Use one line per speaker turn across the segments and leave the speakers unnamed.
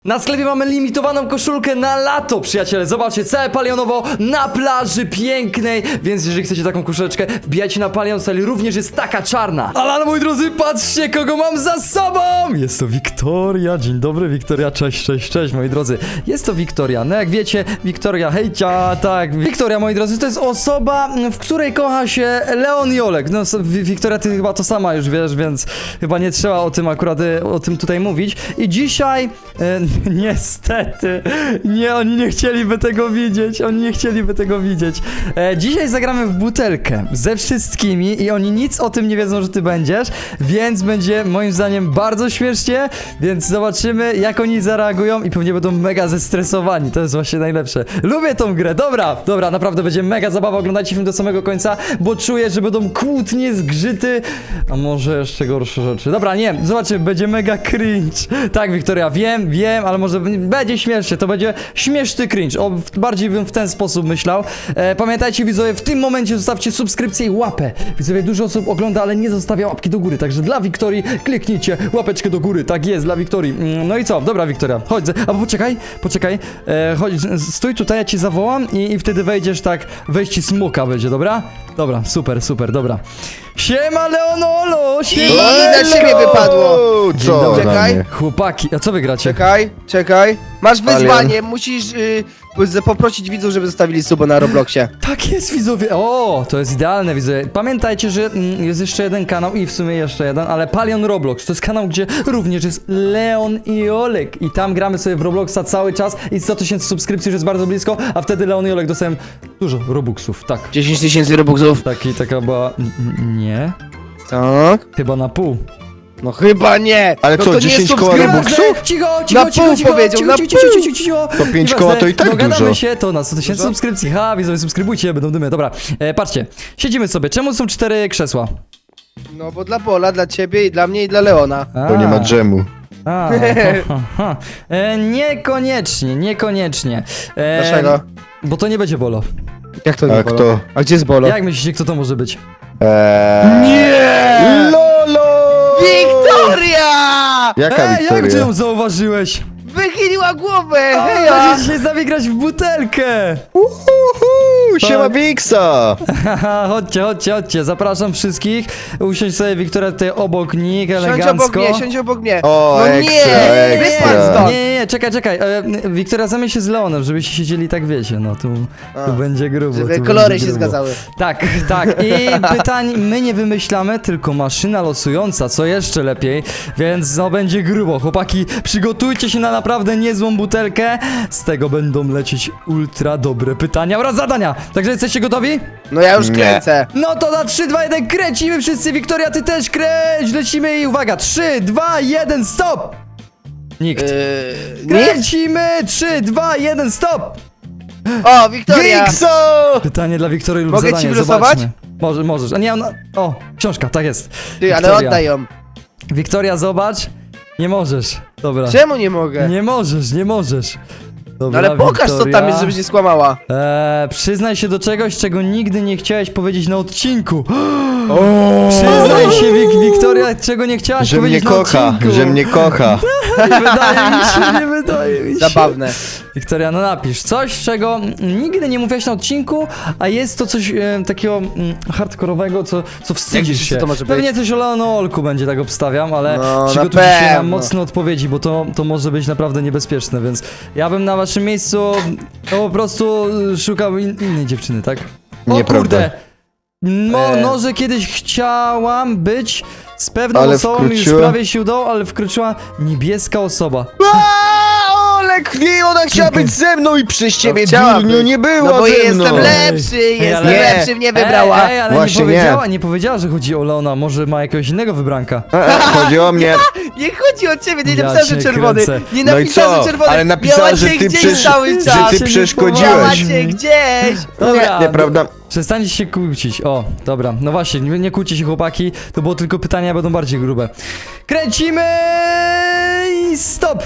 Na sklepie mamy limitowaną koszulkę na lato, przyjaciele. Zobaczcie, całe palionowo na plaży pięknej. Więc jeżeli chcecie taką koszuleczkę, wbijajcie na Palion Style. Również jest taka czarna. Ale moi drodzy, patrzcie, kogo mam za sobą. Jest to Wiktoria. Dzień dobry, Wiktoria. Cześć, cześć, cześć, moi drodzy. Jest to Wiktoria. No jak wiecie, Wiktoria, hejcia, tak. Wiktoria, moi drodzy, to jest osoba, w której kocha się Leon i Olek. No, Wiktoria, ty chyba to sama już wiesz, więc chyba nie trzeba o tym akurat, o tym tutaj mówić. I dzisiaj... niestety, nie, oni nie chcieliby tego widzieć, dzisiaj zagramy w butelkę ze wszystkimi i oni nic o tym nie wiedzą, że ty będziesz, więc będzie moim zdaniem bardzo śmiesznie, więc zobaczymy, jak oni zareagują i pewnie będą mega zestresowani, to jest właśnie najlepsze. Lubię tą grę, dobra, naprawdę będzie mega zabawa, oglądajcie film do samego końca, bo czuję, że będą kłótnie, zgrzyty, a może jeszcze gorsze rzeczy. Dobra, nie, zobaczymy, będzie mega cringe. Tak, Wiktoria, wiem, ale może będzie śmiesznie, to będzie śmieszny cringe. Bardziej bym w ten sposób myślał. Pamiętajcie, widzowie, w tym momencie zostawcie subskrypcję i łapę. Widzowie, dużo osób ogląda, ale nie zostawia łapki do góry, także dla Wiktorii kliknijcie łapeczkę do góry, tak jest, dla Wiktorii. No i co? Dobra, Wiktoria, chodź, albo poczekaj, chodź, stój tutaj, ja cię zawołam i wtedy wejdziesz tak, wejście smoka będzie, dobra? Dobra, super, dobra. Siema Leonolo, siema
I na ciebie wypadło.
Co?
Czekaj.
Chłopaki, a co wy gracie?
Czekaj. Masz wyzwanie, musisz poprosić widzów, żeby zostawili suba na Robloxie.
Tak jest, widzowie. O, to jest idealne, widzowie. Pamiętajcie, że jest jeszcze jeden kanał i w sumie jeszcze jeden, ale Palion Roblox. To jest kanał, gdzie również jest Leon i Olek. I tam gramy sobie w Robloxa cały czas i 100 000 subskrypcji już jest bardzo blisko, a wtedy Leon i Olek dostają dużo Robuxów, tak.
10 000 Robuxów.
Taka była... Nie?
Tak.
Chyba na pół.
No chyba nie.
Ale
no
co,
to nie
10
jest
koła
subskrypcja.
Robuxów?
Cicho,
Na pół powiedział, na pół.
cicho.
To 5 koła to i tak
Dogadamy
dużo.
się, to na 100 000
Dużo?
subskrypcji. Ha, widzowie, subskrybujcie, będą dymy. Dobra, patrzcie, siedzimy sobie. Czemu są 4 krzesła?
No bo dla Pola, dla ciebie i dla mnie i dla Leona.
Bo nie ma dżemu.
Niekoniecznie.
Dlaczego?
Bo to nie będzie Bolo.
Jak to nie
A
Bolo?
kto?
A gdzie jest Bolo?
Jak myślicie, kto to może być?
Nie!
Lolo!
Wiktoria!
Jaka
Jak ty
Wiktoria?
ją zauważyłeś?
Wychyliła głowę!
Heja!
Heja!
Dzisiaj z nami grać w butelkę!
Siema Wiksa!
Haha, chodźcie, zapraszam wszystkich. Usiądź sobie, Wiktoria, tutaj obok nich,
Siądź
elegancko.
obok mnie.
O,
no
ekstra,
nie!
ekstra.
Wypadł stąd.
Nie, czekaj. Wiktoria, zamień się z Leonem, żebyście siedzieli tak, wiecie, no tu będzie grubo.
Żeby
tu
kolory
będzie
się
grubo.
zgadzały.
Tak. I pytań my nie wymyślamy, tylko maszyna losująca, co jeszcze lepiej, więc no będzie grubo. Chłopaki, przygotujcie się na naprawdę niezłą butelkę. Z tego będą lecieć ultra dobre pytania oraz zadania. Także jesteście gotowi?
No ja już
Nie.
kręcę.
No to na 3, 2, 1 kręcimy wszyscy. Wiktoria, ty też kręć. Lecimy i uwaga, 3, 2, 1, stop! Nikt.
Nikt?
Kręcimy! 3, 2, 1, stop!
O, Wiktoria!
Wikso!
Pytanie dla Wiktorii lub
Mogę ci
zadanie,
wylosować?
zobaczmy. Możesz. A nie, ona... O, książka, tak jest.
Ty, ale
Wiktoria.
oddaj ją.
Wiktoria, zobacz. Nie możesz. Dobra.
Czemu nie mogę?
Nie możesz.
No
Dobra,
ale pokaż co
Wiktoria.
tam jest, żebyś nie skłamała.
Przyznaj się do czegoś, czego nigdy nie chciałeś powiedzieć na odcinku. Przyznaj się, Wiktoria, czego nie chciałaś
Że mnie
powiedzieć na
kocha,
odcinku.
że mnie kocha.
Nie wydaje mi się.
Zabawne.
Wiktoria, no napisz coś, czego nigdy nie mówiłaś na odcinku, a jest to coś takiego hardkorowego, co wstydzisz
myślisz,
się.
co to może
Pewnie
być?
coś o Leonolku będzie, tak obstawiam, ale
No,
przygotujcie się na
pewno.
mocne odpowiedzi, bo to może być naprawdę niebezpieczne, więc ja bym na waszym miejscu po prostu szukał innej dziewczyny, tak? O
Nieprawda.
kurde! No, że kiedyś chciałam być z pewną
Ale
osobą i już
wkroczyła-
prawie się udało, ale wkroczyła niebieska osoba.
Olek, nie, ona chciała być ze mną i przez ciebie,
chciała
durniu,
być.
nie była
No bo
ze
jestem
mną.
lepszy, jestem
ale-
lepszy, mnie wybrała.
Ej, ale
Właśnie
nie powiedziała, że chodzi o Leona, może ma jakiegoś innego wybranka.
Chodzi o mnie.
Nie chodzi o ciebie, nie
Ja
napisałem, że
cię
czerwony.
kręcę.
Nie
No i
napisałem,
co?
że czerwony.
Ale napisała,
Miała
że
cię
ty
gdzieś cały
że
czas.
ty
Się
przeszkodziłeś.
Miała cię gdzieś.
Dobra,
Nieprawda.
przestańcie się kłócić. O, dobra, no właśnie, nie kłóćcie się, chłopaki, to było tylko pytania, będą bardziej grube. Kręcimy i stop!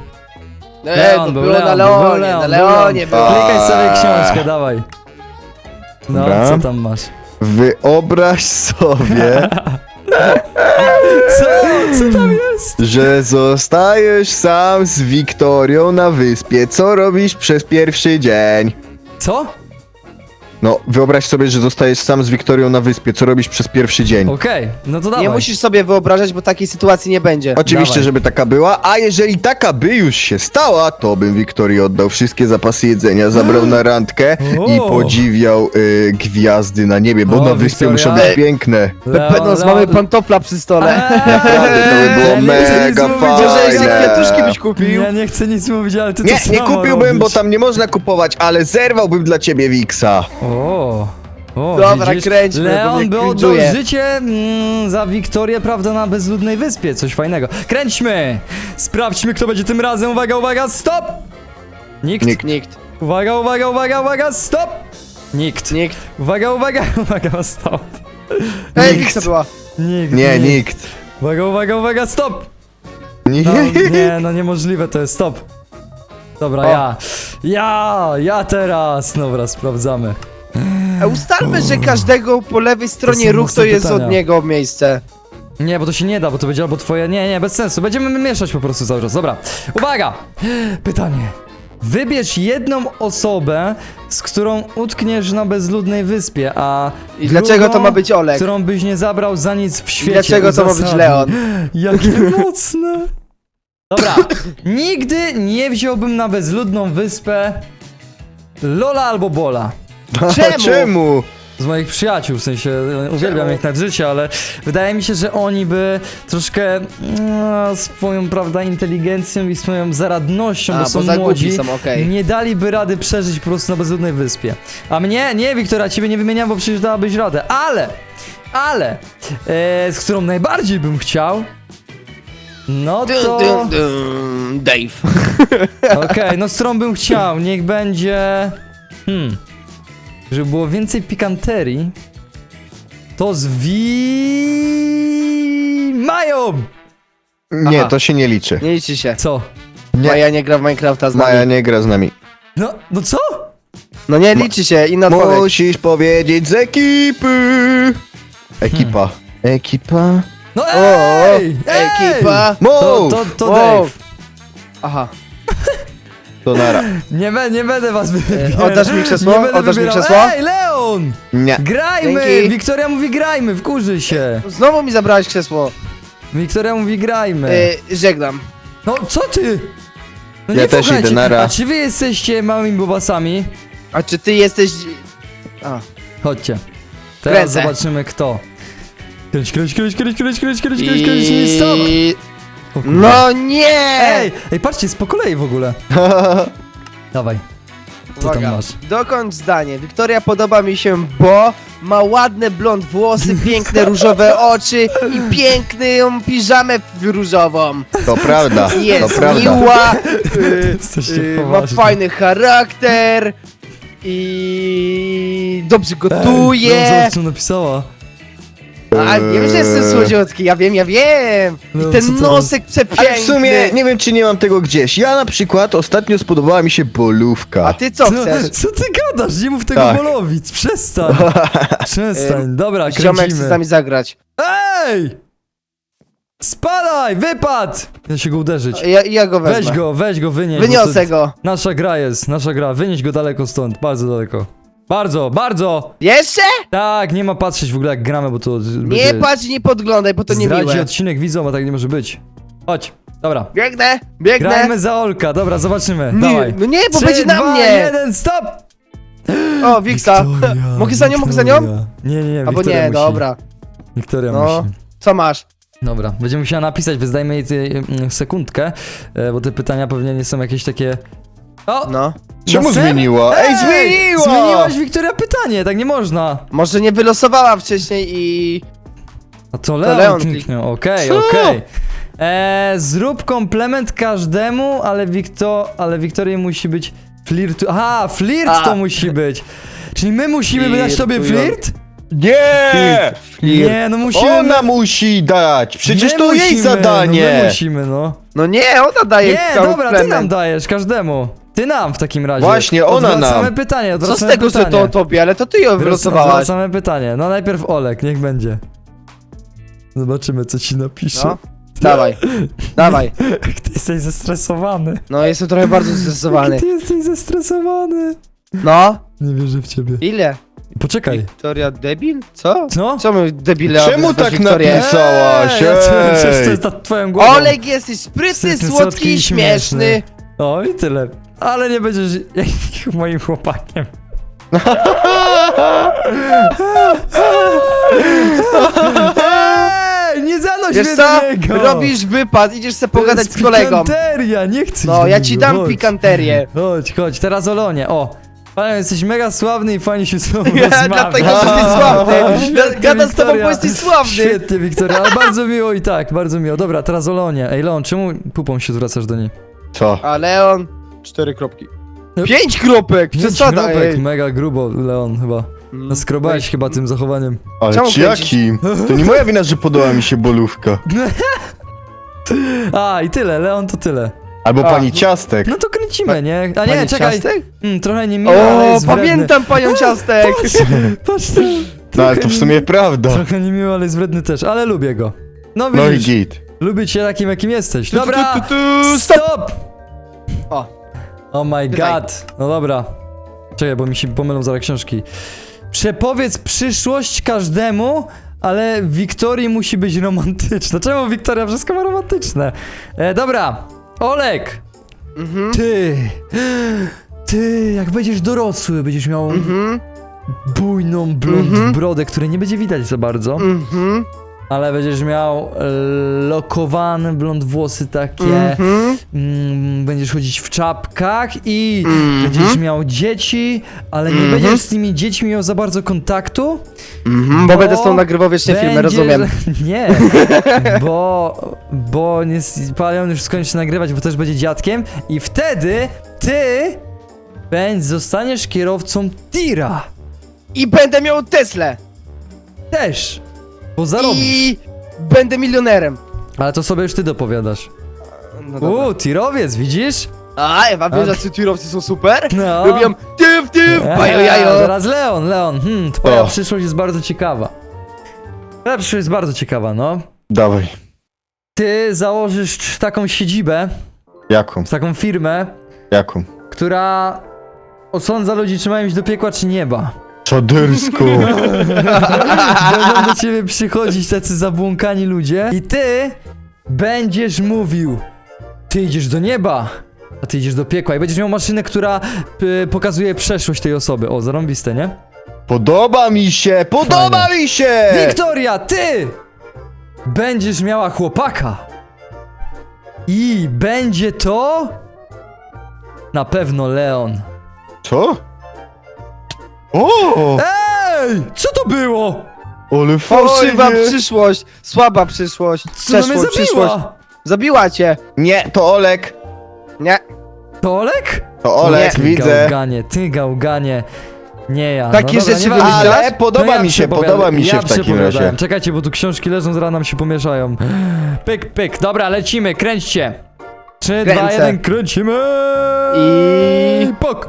To było na Leonie, na Leonie było.
Klikaj sobie książkę, dawaj. No,
Dobra.
co tam masz?
Wyobraź sobie,
Co? Co tam jest?
Że zostajesz sam z Wiktorią na wyspie. Co robisz przez pierwszy dzień?
Co?
No, wyobraź sobie, że zostajesz sam z Wiktorią na wyspie. Co robisz przez pierwszy dzień?
Okej, no to dawaj.
Nie musisz sobie wyobrażać, bo takiej sytuacji nie będzie.
Oczywiście,
Dawaj.
żeby taka była, a jeżeli taka by już się stała, to bym Wiktorii oddał wszystkie zapasy jedzenia, zabrał na randkę i
O.
podziwiał gwiazdy na niebie, bo
O,
na wyspie
Wiktoria.
muszą być piękne.
Pepenos, mamy pantofla przy stole.
Naprawdę, to by było
Ja nie chcę nic
mega
mówić,
Może jeszcze
fajne.
kwiatuszki byś kupił?
Ja nie chcę nic mówić, ale ty
Nie,
to
nie
samo
kupiłbym, bo
robisz.
tam nie można kupować, ale zerwałbym dla ciebie Wiksa.
O,
Dobra,
widzisz?
kręćmy, bo
Leon
mnie
by oddał
cringe'uje.
życie za Wiktorię, prawda, na bezludnej wyspie. Coś fajnego. Kręćmy! Sprawdźmy, kto będzie tym razem. Uwaga, uwaga, stop! Nikt.
Nikt.
Uwaga, uwaga, uwaga, uwaga, stop! Nikt.
Nikt.
Uwaga, uwaga, uwaga, stop.
Ej,
Nikt.
Wiksa była.
Nikt.
Nie, nikt.
Uwaga, uwaga, uwaga, stop!
Nie.
No, nie, no niemożliwe to jest, stop. Dobra,
O.
ja teraz. Dobra, sprawdzamy.
Ustalmy, że każdego po lewej
To
stronie
są
ruch to
mocne
jest
pytania.
od niego miejsce.
Nie, bo to się nie da, bo to będzie albo twoje... Nie, bez sensu. Będziemy mieszać po prostu cały czas. Dobra. Uwaga! Pytanie. Wybierz jedną osobę, z którą utkniesz na bezludnej wyspie, a
I dlaczego
drugą,
to ma być Olek?
którą byś nie zabrał za nic w świecie.
Dlaczego to ma być
Uzasadnij.
Leon?
Jakie mocne. Dobra. Nigdy nie wziąłbym na bezludną wyspę Lola albo Bola.
Czemu?
Czemu?
Z moich przyjaciół, w sensie uwielbiam ich nad życie, ale wydaje mi się, że oni by troszkę swoją, prawda, inteligencją i swoją zaradnością,
A,
bo
bo
są
za głupi
młodzi,
są, okej.
nie daliby rady przeżyć po prostu na bezludnej wyspie. A mnie, nie, Wiktoria, ciebie nie wymieniam, bo przecież dałabyś radę, ale, z którą najbardziej bym chciał, no to,
Dave.
okej, no z którą bym chciał, niech będzie, żeby było więcej pikanterii, to z Mają!
Nie,
Aha.
to się nie liczy.
Nie liczy się.
Co?
Nie.
Maja nie gra w Minecrafta z
Maja
nami.
nie gra z nami.
No co?
No nie liczy się, inna odpowiedź.
Musisz powiedzieć z ekipy. Ekipa. Ekipa.
No
O,
ej!
ekipa.
To
Move!
Dave.
Wow. Aha.
To nara.
Nie będę was wybierał.
Oddasz mi krzesło?
Nie będę
Oddasz mi
wybierał.
krzesło?
Ej, Leon!
Nie.
Grajmy!
Dzięki.
Wiktoria mówi grajmy, wkurzy się.
Znowu mi zabrałeś krzesło.
Wiktoria mówi grajmy.
Żegnam.
No co ty? No
Ja
nie
też
słuchajcie,
idę, nara.
A czy wy jesteście małymi bobasami?
A czy ty jesteś... A.
Chodźcie. Teraz
Kręcę.
zobaczymy kto. Kręć i stop! O kurde.
No nie!
Ej, patrzcie, jest po kolei w ogóle. Dawaj. Co tam masz?
Dokończ zdanie. Wiktoria podoba mi się, bo ma ładne blond włosy, piękne różowe oczy i piękną piżamę różową.
To prawda. To
Jest
prawda.
miła,
Jesteście
ma
poważni.
fajny charakter i dobrze
No,
gotuje.
zobacz, co napisała.
A wiem, że jestem słodziutki, ja wiem.
No,
I
co
ten
to
nosek przepiękny.
Ale w sumie nie wiem, czy nie mam tego gdzieś. Ja na przykład ostatnio spodobała mi się bolówka.
A ty co chcesz?
Co ty gadasz? Nie mów tego
Tak.
Bolowic, przestań. Przestań, dobra,
Ziomek chce z
kręcimy.
nami zagrać.
Ej! Spadaj, wypad! Ja się go uderzyć.
Ja go wezmę.
Weź go, wynieś. bo
Wyniosę
to-
go.
Nasza gra, wynieś go daleko stąd, bardzo daleko. Bardzo!
Jeszcze?
Tak, nie ma patrzeć w ogóle jak gramy, bo to
Nie patrz i nie podglądaj, bo to nie
zdradzi
miłe.
odcinek widzom, a tak nie może być. Chodź, dobra.
Biegnę.
Grajmy za Olka, dobra, zobaczymy,
Nie,
dawaj.
no nie, bo
3,
będzie na
2,
mnie.
1, stop!
O, Wiksa. Mogę za nią, mogę za nią?
Wiktoria. Nie,
Albo
Wiktoria
nie,
musi.
dobra.
Wiktoria
No.
musi.
Co masz?
Dobra, będziemy musiała napisać, wyzdajmy jej sekundkę, bo te pytania pewnie nie są jakieś takie... O!
No.
Czemu
Na serio?
zmieniła? Ej, zmieniła!
Zmieniłaś, Wiktoria, pytanie, tak nie można.
Może nie wylosowała wcześniej i...
A to
Leon
Leon kliknął, okej.
Co?
Zrób komplement każdemu, ale Wiktorii musi być flirt... Aha, flirt
A.
to musi być. Czyli my musimy dać tobie
Flirtują.
flirt?
Nie!
Nie, no musimy...
Ona musi dać! Przecież
my
to jej
musimy,
zadanie!
No my musimy, no.
No nie, ona daje
Nie, dobra, ty
komplement.
nam dajesz, każdemu. Ty nam w takim razie.
Właśnie, ona
Odwracamy
nam.
pytanie,
Co
odwracamy
z tego, że
pytanie.
to tobie, ale to ty ją wylosowałaś.
Odwracamy pytanie. No najpierw Olek, niech będzie. Zobaczymy, co ci napisze.
No. Dawaj, dawaj.
Ty jesteś zestresowany.
No, jestem trochę bardzo zestresowany.
Ty jesteś zestresowany.
No,
Nie wierzę w ciebie.
ile?
Poczekaj.
Wiktoria debil? Co?
Co?
Co my debile
Czemu
wyzywać
tak
Wiktorię?
napisałaś?
Przecież to
Ej!
jest nad twoją głową.
Oleg, jesteś sprytny, słodki i śmieszny.
O i tyle. Ale nie będziesz moim chłopakiem. Ej, nie zanoś
Wiesz
mnie
co?
do niego.
Robisz wypad, idziesz sobie
To
pogadać
jest
z kolegą.
Pikanteria, nie chcę.
No,
iść
ja
do
ci
niego,
dam
chodź.
pikanterię.
Chodź, teraz o Leonie, o. Panie, jesteś mega sławny i fajnie się z tobą
Ja,
rozmawia.
dlatego, że jesteś sławny.
Świetnie,
Gadam z tobą,
Wiktoria.
bo jesteś sławny.
Świetnie, Wiktoria, ale bardzo miło i tak, bardzo miło. Dobra, teraz o Leonie. Ej, Leon, czemu pupą się zwracasz do niej?
Co?
A Leon... 4 kropki.
No.
5 kropek! Przesada,
kropek,
ej.
mega grubo, Leon, chyba. Naskrobałeś chyba tym zachowaniem.
Ale
Czemu
czy
kręcisz?
jakim? To nie moja wina, że podoba mi się bolówka.
A, i tyle, Leon to tyle.
Albo
A,
pani
no.
Ciastek.
No to kręcimy, nie? A nie,
Pani
czekaj.
Ciastek?
Trochę nie miło, ale
O,
jest wredny.
pamiętam panią Ciastek!
Patrz to.
No ale to w sumie prawda.
Trochę nie miło, ale jest wredny też, ale lubię go. No
No i
widzisz,
git.
lubię cię takim, jakim jesteś.
Tu,
Dobra,
tu, tu, tu,
stop!
O.
Oh my
Pytaj.
god. No dobra. Czekaj, bo mi się pomylą zaraz książki. Przepowiedz przyszłość każdemu, ale Wiktorii musi być romantyczna. Czemu Wiktoria wszystko ma romantyczne? Dobra, Olek.
Mhm,
Ty, jak będziesz dorosły, będziesz miał
mhm,
bujną blond
Mhm.
brodę, której nie będzie widać za bardzo,
mhm,
ale będziesz miał lokowane blond włosy takie,
mhm.
będziesz chodzić w czapkach i
Mhm.
będziesz miał dzieci, ale nie
Mhm.
będziesz z tymi dziećmi miał za bardzo kontaktu.
Bo będę z tą nagrywał wieczne filmy, rozumiem.
Nie, bo nie, Palion już skończy nagrywać, bo też będzie dziadkiem i wtedy ty zostaniesz kierowcą tira.
I będę miał Teslę.
Też. Bo zarobisz.
I będę milionerem.
Ale to sobie już ty dopowiadasz.
No dobra.
tirowiec, widzisz?
A, Ewa, wiesz, że tirowcy są super?
No.
Lubią tyw, bajo jajo.
Teraz Leon, twoja
O.
przyszłość jest bardzo ciekawa. Twoja przyszłość jest bardzo ciekawa, no.
Dawaj.
Ty założysz taką siedzibę,
Jaką?
taką firmę,
Jaką?
która osądza ludzi, czy mają iść do piekła, czy nieba.
Czadersko.
Będą do ciebie przychodzić tacy zabłąkani ludzie i ty będziesz mówił, ty idziesz do nieba, a ty idziesz do piekła i będziesz miał maszynę, która pokazuje przeszłość tej osoby. O, zarąbiste, nie?
Podoba mi się! Podoba mi się!
Wiktoria, ty będziesz miała chłopaka i będzie to na pewno Leon.
Co? O!
Ej, co to było?
Ale
Fałszywa
fajnie!
przyszłość, słaba przyszłość,
Co to mnie
przeszłość, przyszłość.
zabiła?
Zabiła cię.
Nie, to Olek!
Nie.
To Olek?
To Olek,
Ty
widzę.
Gałganie, ty gałganie. Nie ja.
Takie
dobra,
rzeczy
nieważne.
wymyślasz?
Ale podoba mi się, podoba mi się w takim
przepowiadałem.
razie.
Czekajcie, bo tu książki leżą, zaraz nam się pomieszają. Pyk, pyk. Dobra, lecimy, kręćcie. 3, 2,
Kręcę.
1, kręcimy.
I-
Pok.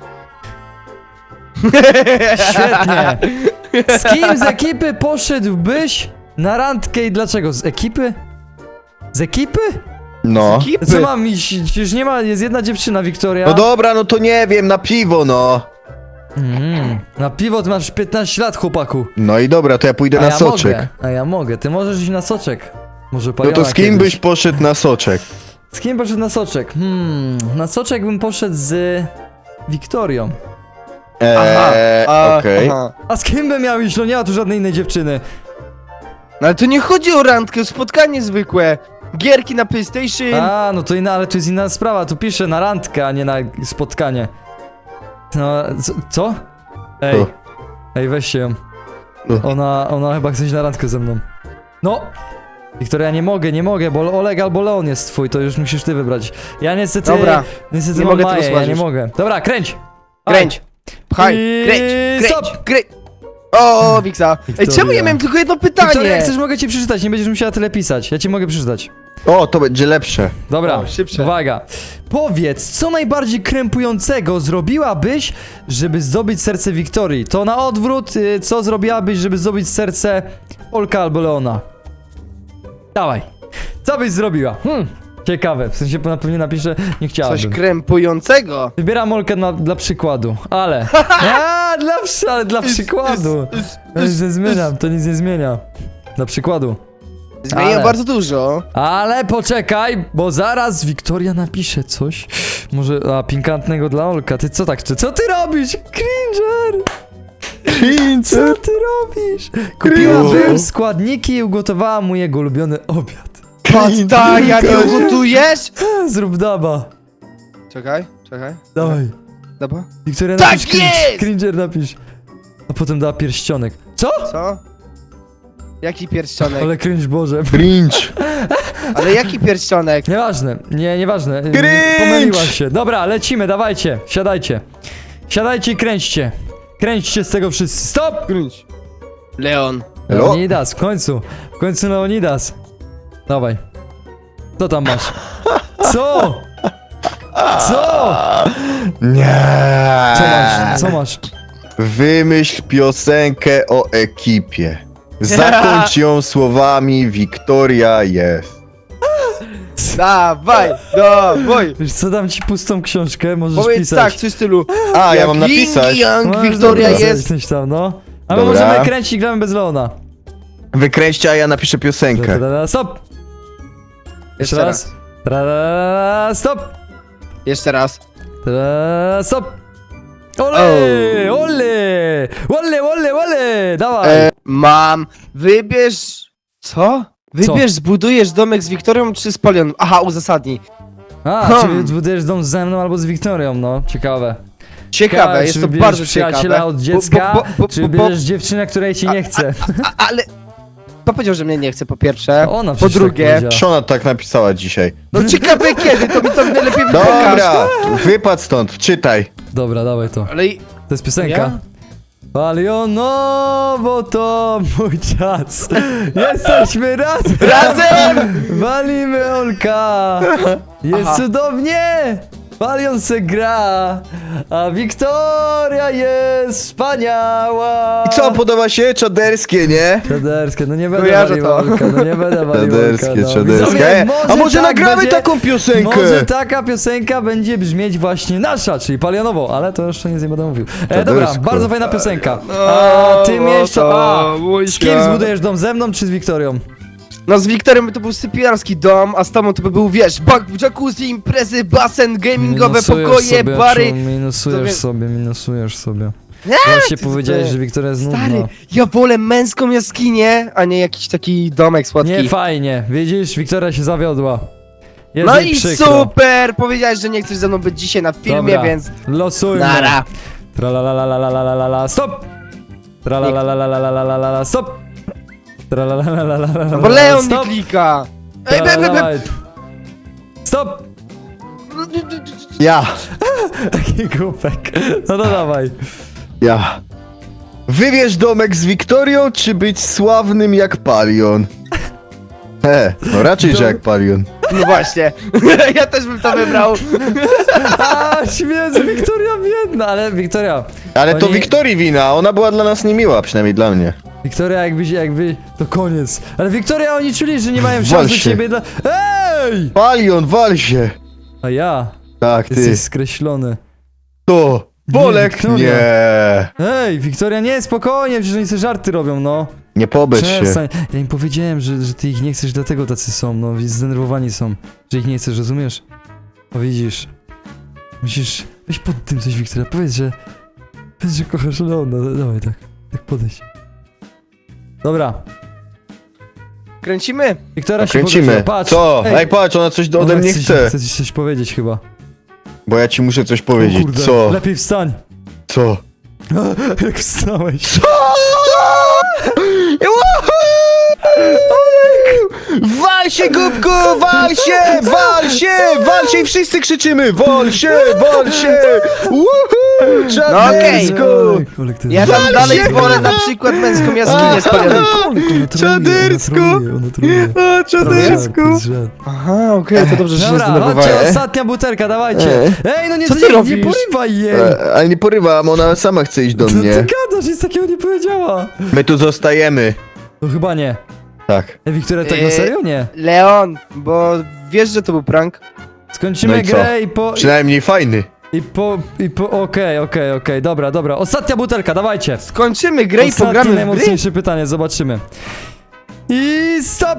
Świetnie. Z kim z ekipy poszedłbyś na randkę i dlaczego? Z ekipy? Z ekipy?
No.
Ekipy.
Co mam iść? Przecież nie ma, jest jedna dziewczyna, Wiktoria.
No dobra, no to nie wiem, na piwo, no.
Na piwo ty masz 15 lat, chłopaku.
No i dobra, to ja pójdę na soczek.
Mogę, a ja mogę. Ty możesz iść na soczek. Może
No
Paliona
to z kim
kiedyś.
byś poszedł na soczek?
Z kim poszedł na soczek? Na soczek bym poszedł z Wiktorią.
Okej.
aha.
A z kim bym miał iść? No nie ma tu żadnej innej dziewczyny.
No ale to nie chodzi o randkę, o spotkanie zwykłe. Gierki na PlayStation.
A, no to inna, ale to jest inna sprawa. Tu piszę na randkę, a nie na spotkanie. No, co? Ej.
Co?
Ej, weźcie ją.
Co?
Ona chyba chce iść na randkę ze mną. No! Wiktoria, nie mogę, bo Oleg albo Leon jest twój, to już musisz ty wybrać. Ja niestety...
Dobra,
Niestety
nie
mam
mogę tego
Maję, ja
słuchać
nie
już.
mogę. Dobra, kręć!
Kręć. Pchaj,
I-
kręć,
stop.
kręć. O, Wiksa. Ej,
Wiktoria.
czemu ja miałem tylko jedno
Wiktoria,
pytanie?
jak chcesz, mogę ci przeczytać, nie będziesz musiała tyle pisać. Ja ci mogę przeczytać.
O, to będzie lepsze.
Dobra,
O, szybsze.
uwaga. Powiedz, co najbardziej krępującego zrobiłabyś, żeby zdobyć serce Wiktorii? To na odwrót, co zrobiłabyś, żeby zdobyć serce Olka albo Leona? Dawaj. Co byś zrobiła? Ciekawe, w sensie pewnie napiszę, nie
Coś
chciałabym.
krępującego.
Wybieram Olkę dla przykładu, ale... ale dla przykładu. To nic nie zmieniam, to nic nie zmienia. Dla przykładu.
Zmieniłem
Ale-
bardzo dużo.
Ale poczekaj, bo zaraz Wiktoria napisze coś. Może, pikantnego dla Olka. Ty co tak, co ty robisz? Cringer! Co ty robisz? Kupiłabym składniki i ugotowałam mu jego ulubiony obiad.
Pasta, jak ją gotujesz?
Zrób daba.
Czekaj.
Dawaj.
Dobra.
Wiktoria
Tak
napisz
jest!
Cringer napisz. A potem da pierścionek. Co?
Co? Jaki pierścionek?
Ale cringe Boże.
Cringe.
Ale jaki pierścionek?
Nieważne, nieważne.
Cringe!
Pomyliłaś się. Dobra, lecimy, dawajcie, siadajcie. Siadajcie i kręćcie. Kręćcie z tego wszyscy. Stop!
Grunć. Leon.
Leonidas, w końcu Leonidas. Dawaj. Co tam masz? Co? Co?
Nie.
Co masz?
Wymyśl piosenkę o ekipie. Zakończ ją słowami Wiktoria jest.
Dawaj.
Wiesz co, dam ci pustą książkę, możesz
Powiedz
pisać.
tak, coś w stylu.
A, ja
jak
mam napisać.
Young
Możesz
Wiktoria
napisać
jest.
coś tam, no. A my
Dobra.
możemy kręcić i gramy bez Leona.
Wykręćcie, a ja napiszę piosenkę.
Tra-ra-ra, stop! Jeszcze raz. Tra-ra-ra, stop!
Jeszcze raz.
Ta-da, stop! Ole! Ole! Ole! Dawaj!
Wybierz... Co? Wybierz, zbudujesz domek z Wiktorią czy z Polion? Aha, uzasadnij.
Czy zbudujesz dom ze mną albo z Wiktorią, no? Ciekawe.
Ciekawe, jest
czy
to
wybierzesz
bardzo
przyjaciela
ciekawe.
od dziecka, czy
bo-
wybierzesz dziewczynę, której ci nie chce?
Ale... Kto powiedział, że mnie nie chce, po pierwsze?
To ona
Po
przecież tak
drugie...
powiedziała.
Szona tak napisała dzisiaj.
No ciekawe kiedy, to mi to najlepiej pokaż.
Dobra, wypadł stąd, czytaj.
Dobra, dawaj to.
Ale...
To jest piosenka.
Ja?
Palionowo to mój czas. Jesteśmy razem!
Razem!
Walimy Olka! Jest
Aha.
cudownie! Palion se gra, a Wiktoria jest wspaniała!
I co, podoba się? Czaderskie, nie?
Czaderskie, no nie będę
Kojarzę
walił
to.
Olka, no nie będę walił
Czaderskie,
Olka, no.
czaderskie.
Widzowie,
A może
tak
nagramy
będzie-
taką piosenkę?
Może taka piosenka będzie brzmieć właśnie nasza, czyli Palionowo, ale to jeszcze nic nie będę mówił. Dobra,
Czadersko.
bardzo fajna piosenka. A tym jeszcze... z kim
zbudujesz?
zbudujesz dom, ze mną czy z Wiktorią?
No z Wiktorem to był sypialski dom, a z tobą to by był, wiesz, jacuzzi, imprezy, basen, gamingowe pokoje, bary.
Minusujesz sobie.
Nie,
Właśnie
ty-
powiedziałeś,
ty-
że Wiktoria jest
Stary,
nudna.
ja wolę męską jaskinię, a nie jakiś taki domek słodki.
Nie fajnie, widzisz, Wiktoria się zawiodła. Jest
No
jej
i
przykro.
super! Powiedziałeś, że nie chcesz ze mną być dzisiaj na filmie,
Dobra,
więc...
losujmy.
Nara.
Tralalalalalalala, stop! Tralalalalalalala, stop! Tralalalalalalala,
No bo Leon nie
stop!
klika! Ej,
Tralalala. Stop!
Ja,
Taki głupek. No dawaj.
ja. Wybierz domek z Wiktorią, czy być sławnym jak Palion? No raczej, że jak Palion.
No właśnie, ja też bym to wybrał.
A, śmiedzę, Wiktoria biedna, ale Wiktoria...
Ale to
Oni-
Wiktorii wina, ona była dla nas niemiła, przynajmniej dla mnie.
Wiktoria jakby... To koniec. Ale Wiktoria, oni czuli, że nie mają
Wal
szans do
się.
ciebie dla... Ej!
Palion, wal się!
A ja?
Tak, ty.
Jesteś skreślony.
To! Bolek!
Wiktoria.
Nie!
Ej, Wiktoria, nie, spokojnie, przecież oni sobie żarty robią, no.
Nie pobecz się.
Przestań. Ja im powiedziałem, że ty ich nie chcesz, dlatego tacy są, no, zdenerwowani są. Że ich nie chcesz, rozumiesz? No widzisz. Musisz... Weź pod tym coś, Wiktoria, powiedz, że kochasz Leona, dawaj tak podejdź. Dobra,
Kręcimy?
Wiktoria się
Kręcimy.
pogodziła, patrz.
Co? Ej, patrz, ona coś ode
ona
mnie chce.
Chce ci coś powiedzieć chyba.
Bo ja ci muszę coś
O
powiedzieć.
kurde,
Co?
lepiej wstań.
Co?
Jak wstałeś.
Wal się, głupku! Wal się! Wal się! Wal się! I wszyscy krzyczymy! Wal się! Wal się! Woohoo! Czadersko!
Ej, Olek, to
Ja
jest-
tam
Wal
dalej
się!
wolę na przykład męską jaskinię z Polionem.
Olek, ona troluje,
Czadersko!
ona troluje.
A, Czadersko!
To jest żart.
Aha, okej, to dobrze, że się
Dobra, chodźcie,
zdenerwowałem.
ostatnia butelka, dawajcie. Ej, no nie,
Co ty
nie
robisz?
porywaj jej.
Ale nie porywam, ona sama chce iść do
Co ty
mnie.
gadasz, nic takiego nie powiedziała.
My tu zostajemy.
No chyba nie.
Tak.
Wiktoria, tak na serio? Nie.
Leon, bo wiesz, że to był prank?
Skończymy
No i co?
grę i po...
Przynajmniej fajny.
Okej, dobra. Ostatnia butelka, dawajcie.
Skończymy grę i
Ostatnie,
pogramy w gry?
najmocniejsze pytanie, zobaczymy. I stop!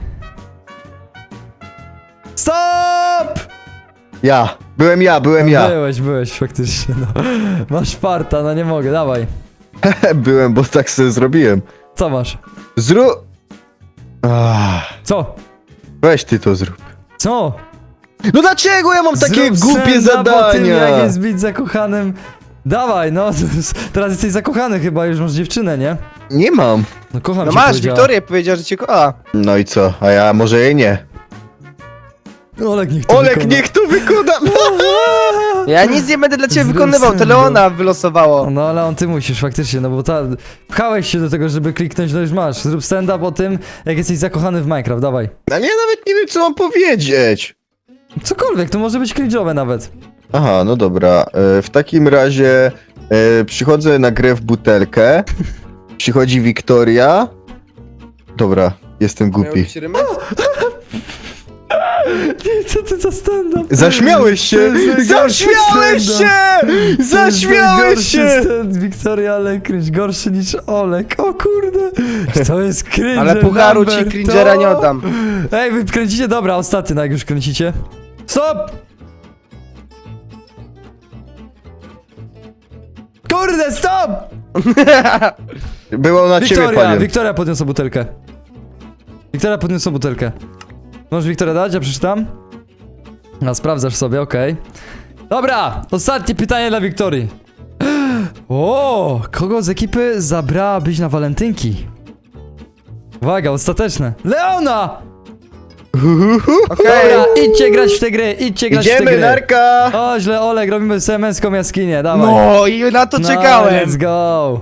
Stop!
Byłem ja.
Byłeś faktycznie, no. Masz farta, no nie mogę, dawaj.
Byłem, bo tak sobie zrobiłem.
Co masz? Co?
Weź ty to zrób.
Co?
No dlaczego ja mam takie
Zrób
głupie
stand-up o tym, jak
zadania?
jest być zakochanym. Dawaj, no. Teraz jesteś zakochany chyba, już masz dziewczynę, nie?
Nie mam.
No kocham
No
cię,
masz,
powiedziała.
Wiktoria powiedziała, że cię kocha.
No i co? A ja może jej nie.
Olek, niech to
Olek,
wykona.
niech to wykona!
Ja nic nie będę dla ciebie
Zrób
wykonywał, to
stand-up.
Leona wylosowało.
No ale on ty musisz faktycznie, no bo pchałeś się do tego, żeby kliknąć, no już masz. Zrób stand-up o tym, jak jesteś zakochany w Minecraft, dawaj.
Ale ja nawet nie wiem, co mam powiedzieć.
Cokolwiek, to może być cringe'owe nawet.
Aha, no dobra. W takim razie przychodzę na grę w butelkę. Przychodzi Wiktoria. Dobra, jestem
Miał
głupi.
być rymy?
Co ty za stand-up?
Zaśmiałeś się!
To jest najgorszy
Zaśmiałeś
stand-up.
się! Zaśmiałeś się!
Wiktoria, ale cringe, gorszy niż Olek. O kurde. To jest cringe.
Ale pucharu ci
number,
cringera
to-
nie oddam.
Ej, wy kręcicie? Dobra, ostatni, no jak już kręcicie. Stop! Kurde, stop!
Było na ciebie, panie.
Wiktoria podniosła butelkę. Wiktoria podniosła butelkę. Możesz Wiktoria dać? Ja przeczytam. No, sprawdzasz sobie, okej. Dobra, ostatnie pytanie dla Wiktorii. O, kogo z ekipy zabrałabyś na walentynki? Uwaga, ostateczne. Leona!
Okej.
Dobra, idźcie grać w te gry, idźcie grać w te
Idziemy,
gry.
narka!
O, źle, Olek, robimy sobie męską jaskinię, dawaj.
No i na to
No,
czekałem.
let's go.